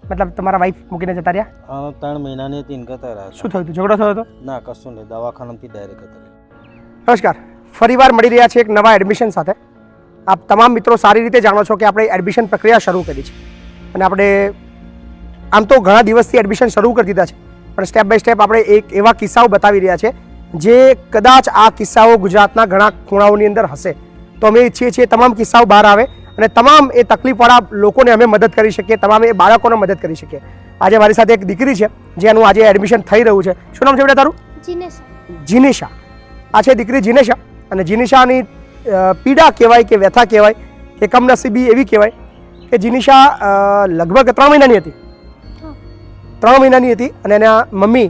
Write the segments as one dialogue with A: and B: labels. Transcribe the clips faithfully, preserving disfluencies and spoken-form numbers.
A: મતલબ તમારા વાઈફ મૂકીને જતા રહ્યા?
B: ત્રણ મહિનાની હતી ઇનકતા રહ્યા.
A: શું થયું હતું? ઝઘડો થયો હતો?
B: ના, કશું નહીં, દવાખાનાથી ડાયરેક્ટ હતા.
A: નમસ્કાર, ફરીવાર મળી રહ્યા છે એક નવા એડમિશન સાથે. આપ તમામ મિત્રો સારી રીતે જાણો છો કે આપણે એડમિશન પ્રક્રિયા શરૂ કરી છે અને આપણે આમ તો ઘણા દિવસથી એડમિશન શરૂ કરી દીધા છે, પણ સ્ટેપ બાય સ્ટેપ આપણે એક એવા કિસ્સાઓ બતાવી રહ્યા છે જે કદાચ આ કિસ્સાઓ ગુજરાતના ઘણા ખૂણાઓની અંદર હશે. તો અમે ઈચ્છીએ છીએ તમામ કિસ્સાઓ બહાર આવે અને તમામ એ તકલીફવાળા લોકોને અમે મદદ કરી શકીએ, તમામ એ બાળકોને મદદ કરી શકીએ. આજે મારી સાથે એક દીકરી છે જેનું આજે એડમિશન થઈ રહ્યું છે. શું નામ છે બેટા તારું?
C: જીનેશા.
A: જીનેશા. આ છે દીકરી જીનેશા. અને જીનેશાની પીડા કહેવાય કે વ્યથા કહેવાય કે કમનસીબી એવી કહેવાય કે જીનેશા લગભગ ત્રણ મહિનાની હતી. ત્રણ મહિનાની હતી અને એના મમ્મી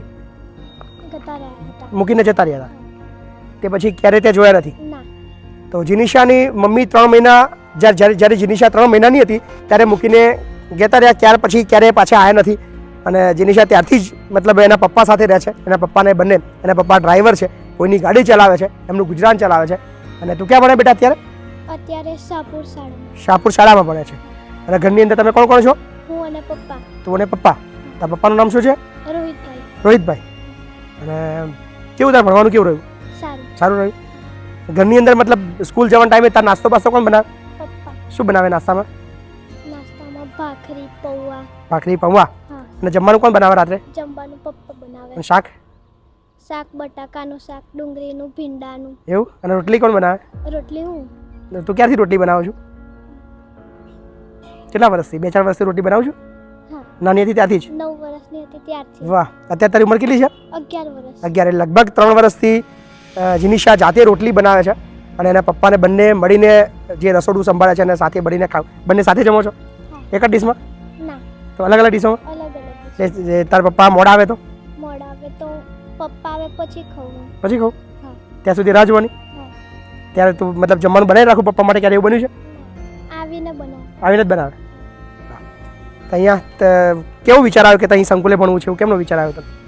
A: મૂકીને જતા રહ્યા હતા. તે પછી ક્યારે ત્યાં જોયા નથી. તો જીનિશાની મમ્મી ત્રણ મહિના જ્યારે જ્યારે જીનિશા ત્રણ મહિનાની હતી ત્યારે મૂકીને જતા રહ્યા. ત્યાર પછી ક્યારેય પાછા આવ્યા નથી અને જીનિશા ત્યારથી જ મતલબ એના પપ્પા સાથે રહે છે. એના પપ્પાને બંને, એના પપ્પા ડ્રાઈવર છે, કોઈની ગાડી ચલાવે છે, એમનું ગુજરાન ચલાવે છે. અને તું ક્યાં ભણે બેટા અત્યારે?
C: અત્યારે શાહપુર શાળામાં.
A: શાહપુર શાળામાં ભણે છે. અને ઘરની અંદર તમે કોણ કોણ છો?
C: હું અને પપ્પા.
A: તું અને પપ્પા. તારા પપ્પાનું નામ શું છે?
C: રોહિતભાઈ.
A: રોહિતભાઈ. અને કેવું તારે ભણવાનું કેવું રહ્યું?
C: સારું.
A: સારું રહ્યું. ઘરની અંદર મતલબ સ્કૂલ જવાના ટાઈમે તાર નાસ્તો બાસ્તો કોણ બનાવે?
C: પપ્પા.
A: શું બનાવે નાસ્તામાં?
C: નાસ્તામાં ભાખરી, પૌવા.
A: ભાખરી, પૌવા.
C: હા.
A: અને જમવાનું કોણ બનાવે રાત્રે?
C: જમવાનું પપ્પા બનાવે.
A: અને શાક?
C: શાક બટાકાનું શાક, ડુંગળીનું, ભીંડાનું.
A: એવું? અને રોટલી કોણ બનાવે?
C: રોટલી હું.
A: તું ક્યારથી રોટલી બનાવું છું? કેટલા વર્ષથી? બે ચાર વર્ષથી રોટલી બનાવું છું?
C: હા.
A: નાની હતી ત્યાંથી જ?
C: નવ વર્ષની હતી ત્યારથી.
A: વાહ. અત્યારે તારી ઉંમર કેટલી છે?
C: અગિયાર વર્ષ.
A: અગિયાર. એટલે લગભગ ત્રણ વર્ષથી જીનિશા જાતે રોટલી બનાવે છે અને એના પપ્પાને બંને મળીને જે રસોડું સંભાળે છે અને સાથે મળીને ખાવ. બંને સાથે જમો છો? એક જ ડીશમાં?
C: ના,
A: તો અલગ અલગ ડીશોમાં?
C: અલગ અલગ.
A: એટલે તારા પપ્પા મોડા આવે તો?
C: મોડા આવે તો પપ્પા આવે પછી ખાવું.
A: પછી ખાવ?
C: હા.
A: ત્યાં સુધી રાહ જોવાની?
C: હા.
A: ત્યારે તું મતલબ જમવાનું બનાવી રાખું પપ્પા માટે? ક્યારે એવું બન્યું છે?
C: આવીને બનાવ.
A: આવીને જ બનાવે. તો અહીંયા કેવો વિચાર આવ્યો કે અહીં સંકુલે ભણવું છે? એવું કેમનો વિચાર આવ્યો તને?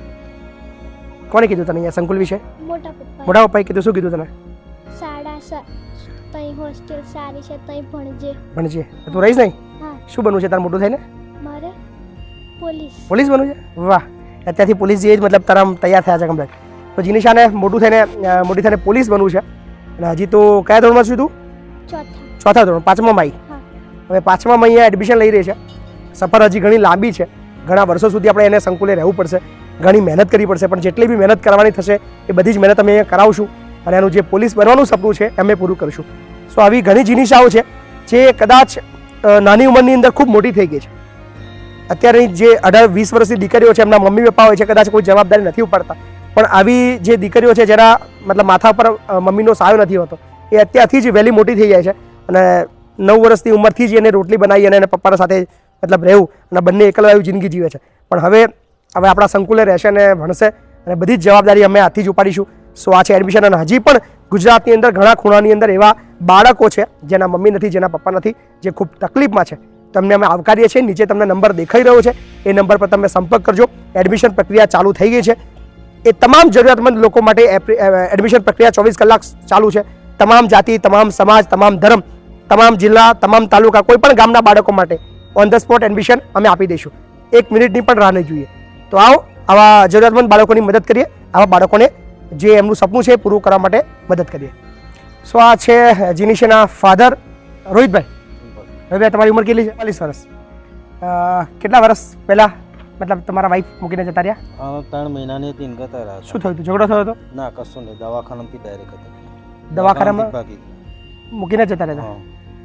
A: કોને કીધું તને અહીંયા સંકુલ વિશે?
C: મોટા પપ્પા.
A: મોટા પપ્પાએ કીધું. શું કીધું તને?
C: શાળા તઈ હોસ્ટેલ સારી છે, તઈ ભણજે.
A: ભણજે. તું રહીશ નહીં?
C: હા.
A: શું બનવું છે તારે મોટું થઈને?
C: મારે પોલીસ.
A: પોલીસ બનવું છે? વાહ. અત્યારથી પોલીસ જે મતલબ તારા તૈયાર થયા છે કમ્પ્લીટ. તો જીનિશાને મોટું થઈને મોટી થઈને પોલીસ બનવું છે. અને હજી તો કયા ધોરણમાં છું તું?
C: ચોથા.
A: ચોથા ધોરણ. પાંચમામાં આવી.
C: હા.
A: હવે પાંચમામાં અહીંયા એડમિશન લઈ રહી છે. સફર હજી ઘણી લાંબી છે. ઘણા વર્ષો સુધી આપણે એને સંકુલે રહેવું પડશે, ઘણી મહેનત કરવી પડશે, પણ જેટલી બી મહેનત કરવાની થશે એ બધી જ મહેનત અમે અહીંયા કરાવશું અને એનું જે પોલીસ બનવાનું સપનું છે અમે પૂરું કરીશું. સો આવી ઘણી જીનિશાઓ છે જે કદાચ નાની ઉંમરની અંદર ખૂબ મોટી થઈ ગઈ છે. અત્યારે જે અઢાર વીસ વર્ષની દીકરીઓ છે, એમના મમ્મી પપ્પા હોય છે, કદાચ કોઈ જવાબદારી નથી ઉપાડતા, પણ આવી જે દીકરીઓ છે જેના મતલબ માથા પર મમ્મીનો સાયો નથી હોતો, એ અત્યારથી જ વહેલી મોટી થઈ જાય છે અને નવ વર્ષની ઉંમરથી જ એને રોટલી બનાવી અને એના પપ્પાના સાથે મતલબ રહેવું અને બંને એકલવાયું જિંદગી જીવે છે. પણ હવે હવે આપણા સંકુલે રહેશે અને ભણશે અને બધી જ જવાબદારી અમે હાથથી જ ઉપાડીશું. સો આ છે એડમિશન. અને હજી પણ ગુજરાતની અંદર ઘણા ખૂણાની અંદર એવા બાળકો છે જેના મમ્મી નથી, જેના પપ્પા નથી, જે ખૂબ તકલીફમાં છે. તમને અમે આવકારીએ છીએ. નીચે તમને નંબર દેખાઈ રહ્યો છે, એ નંબર પર તમે સંપર્ક કરજો. એડમિશન પ્રક્રિયા ચાલુ થઈ ગઈ છે. એ તમામ જરૂરિયાતમંદ લોકો માટે એડમિશન પ્રક્રિયા ચોવીસ કલાક ચાલુ છે. તમામ જાતિ, તમામ સમાજ, તમામ ધર્મ, તમામ જિલ્લા, તમામ તાલુકા, કોઈ પણ ગામના બાળકો માટે ઓન ધ સ્પોટ એડમિશન અમે આપી દઈશું. એક મિનિટની પણ રાહ નહીં જોઈએ. તો આવો આવા જરૂરિયાતમંદ બાળકોની મદદ કરીએ, આવા બાળકોને જે એમનું સપનું છે પૂરું કરવા માટે મદદ કરીએ. સો આ છે જીનિશાના ફાધર રોહિતભાઈ. રોહિતભાઈ, તમારી ઉંમર કેટલી છે? ચાલીસ વર્ષ. કેટલા વર્ષ પહેલાં મતલબ તમારા વાઈફ મૂકીને જતા રહ્યા?
B: ત્રણ મહિનાની હતી ઇનકતા રહ્યા.
A: શું થયું હતું? ઝઘડો થયો હતો?
B: ના, કશું નહીં, દવાખાનાથી ડાયરેક્ટ હતા.
A: દવાખાનામાં મૂકીને જતા રહેતા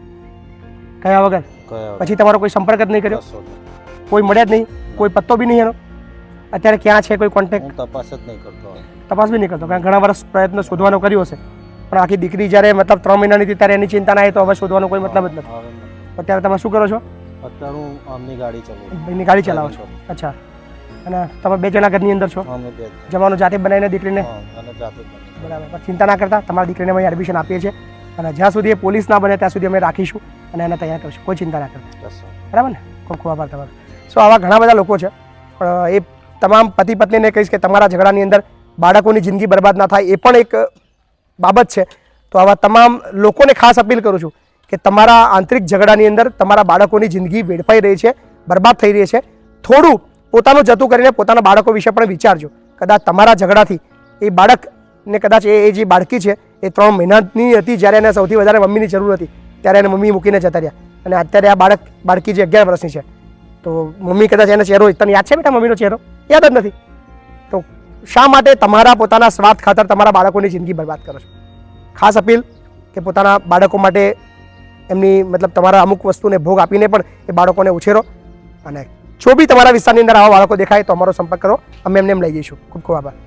A: કયા વગર?
B: કયા
A: પછી તમારો કોઈ સંપર્ક જ નહીં કર્યો? કોઈ મળ્યા જ નહીં? કોઈ પત્તો બી નહીં એનો? અત્યારે ક્યાં છે? કોઈ કોન્ટેક્ટ?
B: તપાસ જ નહીં કરતો.
A: તપાસ બી નહીં કરતો? કારણ ઘણા વર્ષ પ્રયત્ન શોધવાનો કર્યો હશે, પણ આખી દીકરી જ્યારે મતલબ ત્રણ મહિનાની હતી ત્યારે એની ચિંતા ના આવી તો હવે શોધવાનો કોઈ મતલબ જ નથી. અત્યારે તમે શું કરો છો?
B: અત્યારે હું આમની ગાડી ચલાવું.
A: એની ગાડી ચલાવો છો? અચ્છા. અને તમે બે જણા ઘરની અંદર છો?
B: અમે બે.
A: જમવાનું જાતે બનાવીને દીકરીને?
B: અને જાતે
A: બરાબર. પણ ચિંતા ના કરતા, તમારી દીકરીને અમે એડમિશન આપીએ છીએ અને જ્યાં સુધી એ પોલીસ ના બને ત્યાં સુધી અમે રાખીશું અને એને તૈયાર કરીશું. કોઈ ચિંતા ના કરતા. બરાબર ને? ખૂબ ખૂબ આભાર તમારો. સો આવા ઘણા બધા લોકો છે, પણ એ તમામ પતિ પત્નીને કહીશ કે તમારા ઝઘડાની અંદર બાળકોની જિંદગી બરબાદ ના થાય, એ પણ એક બાબત છે. તો આવા તમામ લોકોને ખાસ અપીલ કરું છું કે તમારા આંતરિક ઝઘડાની અંદર તમારા બાળકોની જિંદગી વેડફાઈ રહી છે, બરબાદ થઈ રહી છે. થોડું પોતાનું જતું કરીને પોતાના બાળકો વિશે પણ વિચારજો. કદાચ તમારા ઝઘડાથી એ બાળકને કદાચ એ એ જે બાળકી છે એ ત્રણ મહિનાની હતી જ્યારે એને સૌથી વધારે મમ્મીની જરૂર હતી, ત્યારે એને મમ્મી મૂકીને જતા રહ્યા. અને અત્યારે આ બાળક બાળકી જે અગિયાર વર્ષની છે, તો મમ્મી કદાચ એનો ચહેરો, તને યાદ છે બેટા મમ્મીનો ચહેરો? યાદ જ નથી. તો શા માટે તમારા પોતાના સ્વાર્થ ખાતર તમારા બાળકોની જિંદગી બરબાદ કરો છો? ખાસ અપીલ કે પોતાના બાળકો માટે એમની મતલબ તમારા અમુક વસ્તુને ભોગ આપીને પણ એ બાળકોને ઉછેરો. અને જો બી તમારા વિસ્તારની અંદર આવા બાળકો દેખાય તો અમારો સંપર્ક કરો, અમે એમને એમ લઈ જઈશું. ખૂબ ખૂબ આભાર.